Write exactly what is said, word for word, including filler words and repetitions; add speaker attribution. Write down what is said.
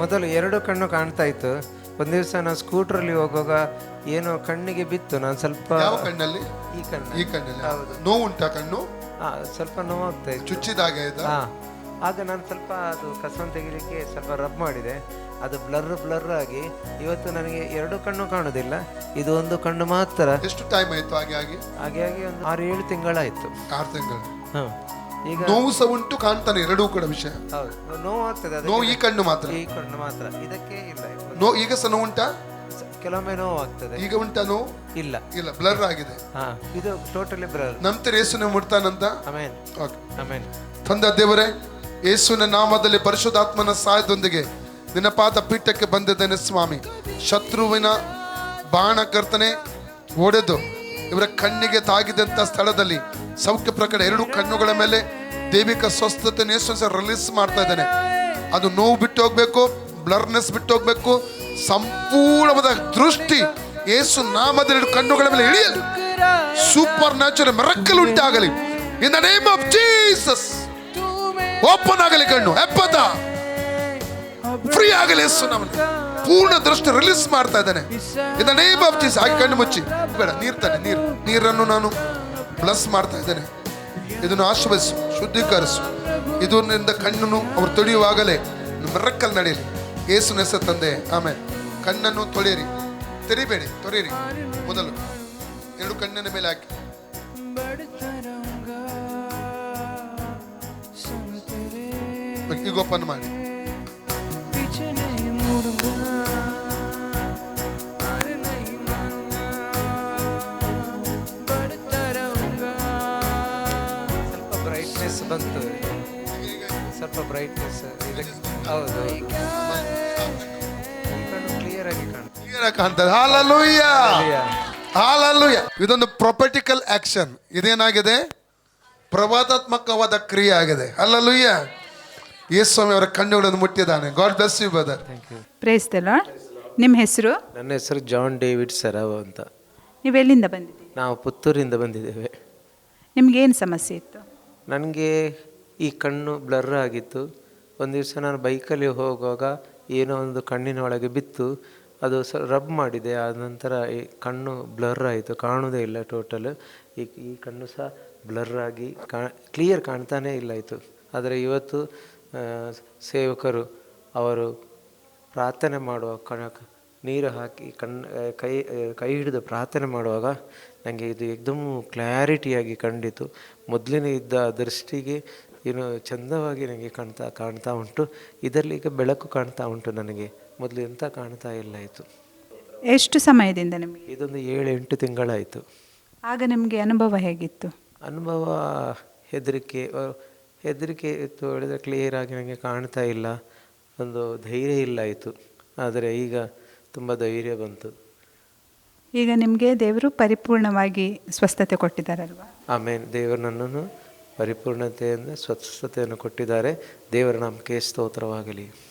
Speaker 1: ಮೊದಲು ಎರಡು ಕಣ್ಣು ಕಾಣ್ತಾ ಇತ್ತು. ಒಂದು ದಿವಸ ನಾನು ಸ್ಕೂಟ್ರಲ್ಲಿ ಹೋಗುವಾಗ ಏನೋ ಕಣ್ಣಿಗೆ ಬಿತ್ತು. ನಾನು ಸ್ವಲ್ಪ
Speaker 2: ಯಾವ ಕಣ್ಣಲ್ಲಿ?
Speaker 1: ಈ ಕಣ್ಣು.
Speaker 2: ಈ ಕಣ್ಣಲ್ಲಿ ನೋವು ಉಂಟಾ? ಕಣ್ಣು
Speaker 1: ಸ್ವಲ್ಪ ನೋವಾಗ್ತಾ ಇತ್ತು,
Speaker 2: ಚುಚ್ಚಿದಾಗೆ.
Speaker 1: ಹಾ, ಆಗ ನಾನು ಸ್ವಲ್ಪ ಅದು ಕಸವನ್ನು ತೆಗಿಲಿಕ್ಕೆ ಸ್ವಲ್ಪ ರಬ್ ಮಾಡಿದೆ. ಅದು ಬ್ಲರ್ ಬ್ಲರ್ ಆಗಿ ಇವತ್ತು ನನಗೆ ಎರಡು ಕಣ್ಣು ಕಾಣುದಿಲ್ಲ, ಇದು ಒಂದು ಕಣ್ಣು ಮಾತ್ರ.
Speaker 2: ಎಷ್ಟು ಟೈಮ್ ಆಯ್ತು ಹಾಗೆ ಆಗಿ?
Speaker 1: ಹಾಗೆ ಆಗಿ ಒಂದು ಆರು ಏಳು ತಿಂಗಳಾಯ್ತು.
Speaker 2: ಆರು ತಿಂಗಳು.
Speaker 1: ಹಾ, ಈಗ
Speaker 2: ನೋವು ಸಹ ಉಂಟು, ಕಾಣ್ತಾನೆ ಎರಡೂ ಕೂಡ ವಿಷಯ.
Speaker 1: ಹೌದು, ನೋವು ಆಗ್ತದೆ.
Speaker 2: ನೋವು ಈ ಕಣ್ಣು ಮಾತ್ರ?
Speaker 1: ಈ ಕಣ್ಣು ಮಾತ್ರ, ಇದಕ್ಕೆ ಇಲ್ಲ.
Speaker 2: ನೋವು ಈಗ ಸಹ ನೋವು ಉಂಟಾ?
Speaker 1: ಕೆಲವೊಮ್ಮೆ ನೋವು ಆಗ್ತದೆ.
Speaker 2: ಈಗ ಉಂಟಾ ನೋವು?
Speaker 1: ಇಲ್ಲ
Speaker 2: ಇಲ್ಲ, ಬ್ಲರ್ ಆಗಿದೆ.
Speaker 1: ಹಾ, ಇದು ಟೋಟಲಿ ಬ್ಲರ್.
Speaker 2: ನಂತರ ಯೇಸುನ ಮುಟ್ತಾನಂತ.
Speaker 1: Amen, amen.
Speaker 2: ತಂದೆ ದೇವರೇ, ಯೇಸುವಿನ ನಾಮದಲ್ಲಿ ಪರಿಶುದ್ಧಾತ್ಮನ ಸಹಾಯದೊಂದಿಗೆ ನಿನ್ನ ಪಾದ ಪೀಠಕ್ಕೆ ಬಂದಿದ್ದೇನೆ ಸ್ವಾಮಿ. ಶತ್ರುವಿನ ಬಾಣ ಕರ್ತನೆ ಒಡೆದು ಇವರ ಕಣ್ಣಿಗೆ ತಾಗಿದಂತ ಸ್ಥಳದಲ್ಲಿ ಸೌಖ್ಯ ಪ್ರಕಟ ಎರಡು ಕಣ್ಣುಗಳ ಮೇಲೆ ದೈವಿಕ ಸ್ವಸ್ಥತೆ ರಿಲೀಸ್ ಮಾಡ್ತಾ ಇದ್ದೇನೆ. ಅದು ನೋವು ಬಿಟ್ಟು ಹೋಗ್ಬೇಕು, ಬ್ಲರ್ನೆಸ್ ಬಿಟ್ಟು ಹೋಗ್ಬೇಕು, ಸಂಪೂರ್ಣವಾದ ದೃಷ್ಟಿ ಯೇಸು ನಾಮದ ಎರಡು ಕಣ್ಣುಗಳ ಮೇಲೆ ಇಳಿಯಲಿ. ಸೂಪರ್ ನ್ಯಾಚುರಲ್ ಮಿರಕಲ್ ಉಂಟಾಗಲಿ in the name of Jesus. Open ಆಗಲಿ ಕಣ್ಣು, ಎಪ್ಪತ್ತ ಫ್ರೀ ಆಗಲಿ ಯೇಸು ನಾಮದಲ್ಲಿ. ಪೂರ್ಣ ದೃಷ್ಟಿ ರಿಲೀಸ್ ಮಾಡ್ತಾ ಇದ್ದಾನೆ in the name of Jesus. ಹಾಗೆ ಕಣ್ಣು ಮುಚ್ಚಿ ಬೇಡ, ನೀರ್ ತಾನೆ, ನೀರು ನೀರನ್ನು ನಾನು ಬ್ಲಸ್ ಮಾಡ್ತಾ ಇದ್ದೇನೆ. ಇದನ್ನು ಆಶ್ರಯಿಸು, ಶುದ್ಧೀಕರಿಸು. ಇದರಿಂದ ಕಣ್ಣನ್ನು ಅವರು ತೊಳೆಯುವಾಗಲೇ ಮಿರಕಲ್ ನಡೆಯಲಿ ಯೇಸುವಿನ ಹೆಸರು ತಂದೆ, ಆಮೇಲೆ. ಕಣ್ಣನ್ನು ತೊಳೆಯಿರಿ, ತೆರಿಬೇಡಿ, ತೊರೆಯಿರಿ. ಮೊದಲು ಎರಡು ಕಣ್ಣಿನ ಮೇಲೆ ಹಾಕಿ ಈಗ ಓಪನ್ ಮಾಡಿ.
Speaker 1: ಸ್ವಲ್ಪ ಬ್ರೈಟ್ನೆಸ್ ಬಂತು, ಸ್ವಲ್ಪ ಬ್ರೈಟ್ನೆಸ್. ಹೌದು, ಕ್ಲಿಯರ್ ಆಗಿ ಕಾಣುತ್ತೆ,
Speaker 2: ಕ್ಲಿಯರ್ ಆಗಿ ಕಾಣ್ತದೆ. Hallelujah, hallelujah. ಇದೊಂದು ಪ್ರೊಫೆಟಿಕಲ್ ಆಕ್ಷನ್. ಇದೇನಾಗಿದೆ? ಪ್ರವಾದಾತ್ಮಕವಾದ ಕ್ರಿಯೆ ಆಗಿದೆ. ಹಾಲೆಲೂಯಾ. ಯೇಸುಸ್ವಾಮಿ ಅವರ ಕಣ್ಣುಗಳನ್ನು ಮುಟ್ಟಿದ್ದಾನೆ. God bless you brother.
Speaker 3: Praise the Lord. ನಿಮ್ಮ ಹೆಸರು?
Speaker 1: ನನ್ನ ಹೆಸರು ಜಾನ್ ಡೇವಿಡ್ ಸರಾವ್ ಅಂತ.
Speaker 3: ನೀವು ಎಲ್ಲಿಂದ ಬಂದಿದ್ದೀರಿ?
Speaker 1: ನಾವು ಪುತ್ತೂರಿಂದ ಬಂದಿದ್ದೇವೆ.
Speaker 3: ನಿಮ್ಗೇನು ಸಮಸ್ಯೆ ಇತ್ತು?
Speaker 1: ನನಗೆ ಈ ಕಣ್ಣು ಬ್ಲರ್ ಆಗಿತ್ತು. ಒಂದು ದಿವಸ ನಾನು ಬೈಕಲ್ಲಿ ಹೋಗುವಾಗ ಏನೋ ಒಂದು ಕಣ್ಣಿನ ಒಳಗೆ ಬಿತ್ತು. ಅದು ಸ ರಬ್ ಮಾಡಿದೆ. ಆದ ನಂತರ ಈ ಕಣ್ಣು ಬ್ಲರ್ ಆಯಿತು, ಕಾಣೋದೇ ಇಲ್ಲ ಟೋಟಲ್. ಈ ಈ ಕಣ್ಣು ಸಹ ಬ್ಲರ್ ಆಗಿ ಕಾ ಕ್ಲಿಯರ್ ಕಾಣ್ತಾನೇ ಇಲ್ಲ ಇತ್ತು. ಆದರೆ ಇವತ್ತು ಸೇವಕರು ಅವರು ಪ್ರಾರ್ಥನೆ ಮಾಡುವ ಕಣ ನೀರು ಹಾಕಿ ಕಣ್ಣು ಕೈ ಕೈ ಹಿಡಿದು ಪ್ರಾರ್ಥನೆ ಮಾಡುವಾಗ ನನಗೆ ಇದು ಏಕ್ದಮ್ ಕ್ಲಾರಿಟಿಯಾಗಿ ಕಂಡಿತು. ಮೊದಲಿನ ಇದ್ದ ದೃಷ್ಟಿಗೆ ಏನು ಚಂದವಾಗಿ ನನಗೆ ಕಾಣ್ತಾ ಕಾಣ್ತಾ ಉಂಟು. ಇದರಲ್ಲಿ ಈಗ ಬೆಳಕು ಕಾಣ್ತಾ ಉಂಟು ನನಗೆ, ಮೊದಲು ಎಂತ ಕಾಣ್ತಾ ಇಲ್ಲ ಇತ್ತು.
Speaker 3: ಎಷ್ಟು ಸಮಯದಿಂದ ನಿಮಗೆ?
Speaker 1: ಇದೊಂದು ಏಳು ಎಂಟು ತಿಂಗಳಾಯಿತು.
Speaker 3: ಆಗ ನಿಮಗೆ ಅನುಭವ ಹೇಗಿತ್ತು?
Speaker 1: ಅನುಭವ ಹೆದರಿಕೆ ಹೆದರಿಕೆ ಇತ್ತು. ಹೇಳಿದ್ರೆ ಕ್ಲಿಯರ್ ಆಗಿ ನನಗೆ ಕಾಣ್ತಾ ಇಲ್ಲ, ಒಂದು ಧೈರ್ಯ ಇಲ್ಲ ಆಯಿತು. ಆದರೆ ಈಗ ತುಂಬ ಧೈರ್ಯ ಬಂತು.
Speaker 3: ಈಗ ನಿಮಗೆ ದೇವರು ಪರಿಪೂರ್ಣವಾಗಿ ಸ್ವಸ್ಥತೆ ಕೊಟ್ಟಿದ್ದಾರಲ್ವಾ?
Speaker 1: ಆಮೇಲೆ ದೇವರು ನನ್ನನ್ನು ಪರಿಪೂರ್ಣತೆಯಿಂದ ಸ್ವಸ್ಥತೆಯನ್ನು ಕೊಟ್ಟಿದ್ದಾರೆ. ದೇವರ ನಾಮಕ್ಕೆ ಸ್ತೋತ್ರವಾಗಲಿ.